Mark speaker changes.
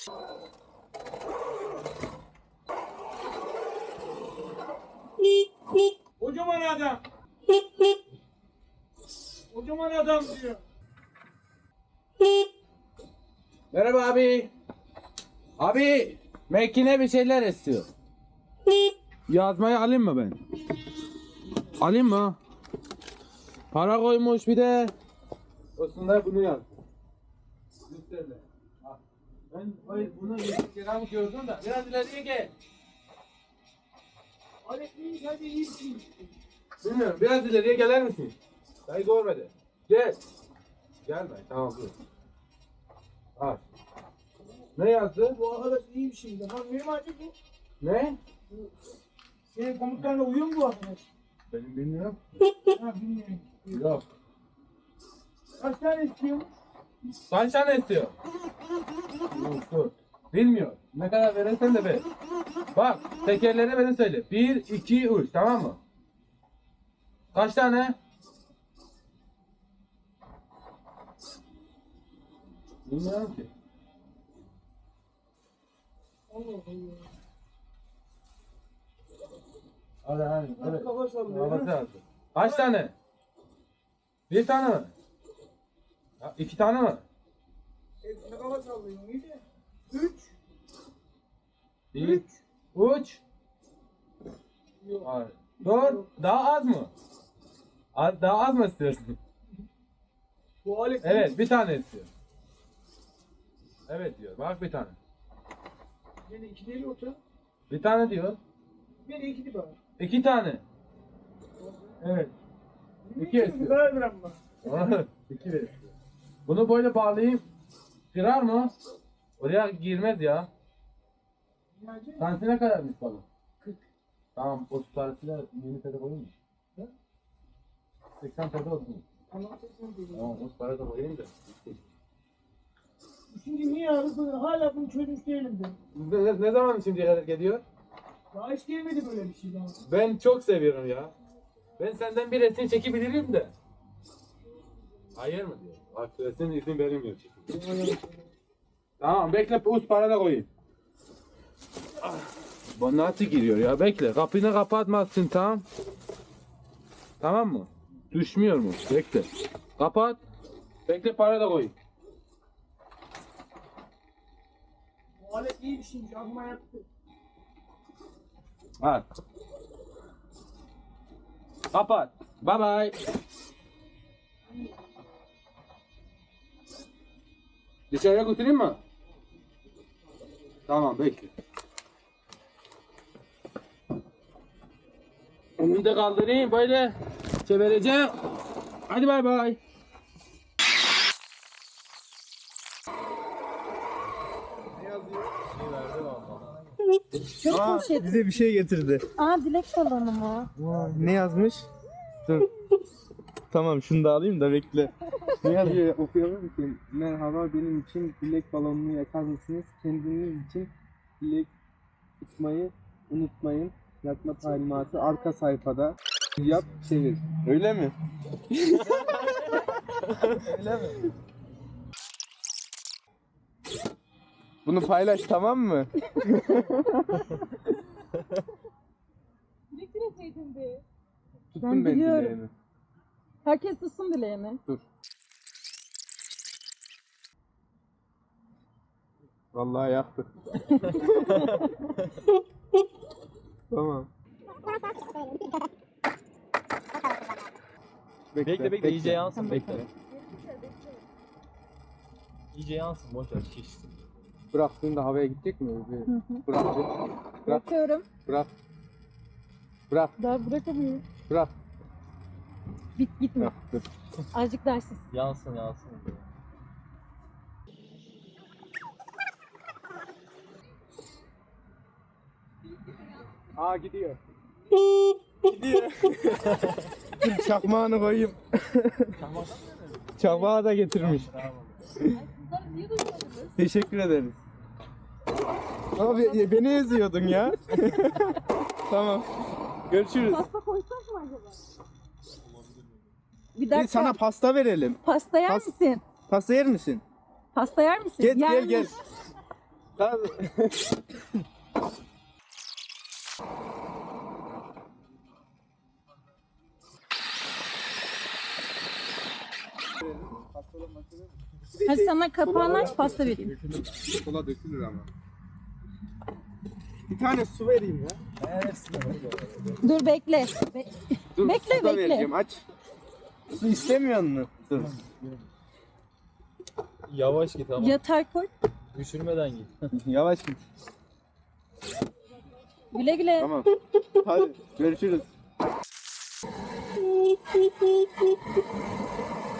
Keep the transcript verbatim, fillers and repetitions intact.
Speaker 1: Kocaman adam. Kocaman adam diyor.
Speaker 2: Merhaba abi. Abi, makine bir şeyler istiyor. Yazmayı alayım mı ben? Alayım mı? Para koymuş bir de. Aslında bunu yaz. Lütfen. Ben hayır bunu yedik kere gördüm de biraz ileriye gel.
Speaker 1: Hadi iyi, hadi iyi.
Speaker 2: Bilmiyorum, biraz ileriye gelir misin? Dayı görmedi. Gel. Gelme, tamam dur. Al. Ne yazdı?
Speaker 1: Bu arkadaş iyi bir şey. Lan benim acı bu.
Speaker 2: Ne?
Speaker 1: Senin komutanla uyuyor mu bu arkadaş?
Speaker 2: Benim bilmiyorum.
Speaker 1: Ha bilmiyorum.
Speaker 2: Yok.
Speaker 1: Kaç tane istiyormuş?
Speaker 2: Kaç tane istiyor? Yok dur. Bilmiyor. Ne kadar verirsen de ver. Bak tekerleri beni söyle. Bir, iki, üç tamam mı? Kaç tane? Bilmiyorum ki.
Speaker 1: Allah Allah.
Speaker 2: Hadi hadi.
Speaker 1: Hadi kafa sallıyor.
Speaker 2: Havası lazım. Kaç tane? Bir tane mi? Ya, iki tane mi?
Speaker 1: E, ne kafa sallıyor? İyi de. Üç.
Speaker 2: Bir, üç.
Speaker 1: Yok.
Speaker 2: Hayır. Dört. Daha az mı? Az, daha az mı istiyorsun?
Speaker 1: Bu alet
Speaker 2: Evet, bir tane istiyor. Evet diyor. Bak bir tane.
Speaker 1: Yine iki değil orta.
Speaker 2: Bir tane diyor.
Speaker 1: Yine iki değil bana.
Speaker 2: İki tane. Evet. İki
Speaker 1: Bir
Speaker 2: istiyor.
Speaker 1: karar veren bana.
Speaker 2: İki de istiyor. Bunu böyle bağlayayım. Kırar mı? Oraya girmez ya.
Speaker 1: Niyazi?
Speaker 2: Tanesi ne kadarmış balık? kırk. Tamam, o tutarısıyla yeni pede koyayım mı?
Speaker 1: Ne?
Speaker 2: seksen pede olsun.
Speaker 1: Tamam sesini duydum.
Speaker 2: Tamam, o para da koyayım da.
Speaker 1: Şimdi niye arasın? Hala bunu çözmüş değilim ben.
Speaker 2: Ne, ne, ne zaman şimdiye kadar geliyor?
Speaker 1: Daha hiç gelmedi böyle bir şey daha.
Speaker 2: Ben çok seviyorum ya. Ben senden bir resim çekebilirim de. Hayır mı diyor. Bak resim izin verilmiyor çekim. Tamam bekle, uz para da koyayım. Ah, bu nasıl giriyor ya? Bekle, kapını kapatmazsın, tamam. Tamam mı? Düşmüyor mu? Bekle. Kapat. Bekle, para da koyayım.
Speaker 1: Bu alet iyi bir şeymiş. Aklıma yattı.
Speaker 2: Al. Kapat. Bye bye. Dışarıya götüreyim mi? Tamam bekle. Onu da kaldırayım böyle çevireceğim. Hadi bay bay.
Speaker 3: Çok
Speaker 4: Aa,
Speaker 3: poşet.
Speaker 4: bize bir şey getirdi.
Speaker 3: Aa dilek balonu mu?
Speaker 4: Ne yazmış? Dur. Tamam şunu da alayım da bekle. Ne yazıyor okuyalım ki? Merhaba, benim için dilek balonunu yakar mısınız? Kendiniz için dilek tutmayı unutmayın. Yakma talimatı arka sayfada. Yap, çevir. Öyle mi? Öyle mi? Bunu paylaş, tamam mı?
Speaker 3: Dilek dileseydin be.
Speaker 4: Tuttum
Speaker 3: Ben
Speaker 4: ben
Speaker 3: biliyorum.
Speaker 4: dileğimi.
Speaker 3: Herkes tutsun dileğini.
Speaker 4: Dur. Vallahi yaktı. Tamam.
Speaker 5: Bekle bekle iyice yansın bekle.
Speaker 3: Bekle.
Speaker 5: İyice yansın boş ver şişsin.
Speaker 4: Bıraktığında havaya gidecek mi? Bir bırak. bir. Bırak.
Speaker 3: Bırakıyorum.
Speaker 4: Bırak. Bırak.
Speaker 3: Daha bırakamıyorum.
Speaker 4: Bırak.
Speaker 3: Bit gitme.
Speaker 4: Bırak. Dur.
Speaker 3: Azıcık dersiz.
Speaker 5: Yansın yansın.
Speaker 4: Aa gidiyor. Gidiyor. Dur çakmağını koyayım. Çakmağı da getirmiş.
Speaker 3: Kızlar niye duymadınız?
Speaker 4: Teşekkür ederiz. Abi beni eziyordun ya. Tamam. Görüşürüz.
Speaker 3: Pasta koysak mı acaba? Bir
Speaker 4: Bir
Speaker 3: dakika.
Speaker 4: sana pasta verelim.
Speaker 3: Pasta yer
Speaker 4: Pas-
Speaker 3: misin?
Speaker 4: Pasta yer misin?
Speaker 3: Pasta yer misin?
Speaker 4: Gel gel
Speaker 3: Yermiş.
Speaker 4: gel. Tamam.
Speaker 3: Hadi sana kapağını aç pasta vereyim.
Speaker 4: Kola dökülür ama. Bir tane su vereyim ya.
Speaker 3: Dur bekle. Be-
Speaker 4: Dur,
Speaker 3: Bekle,
Speaker 4: su da
Speaker 3: bekle.
Speaker 4: vereceğim, aç. Su istemiyor musun? Dur.
Speaker 5: Yavaş git ama.
Speaker 3: Yatay koy.
Speaker 5: Düşürmeden git.
Speaker 4: Yavaş git.
Speaker 3: Güle güle.
Speaker 4: Tamam. Hadi görüşürüz.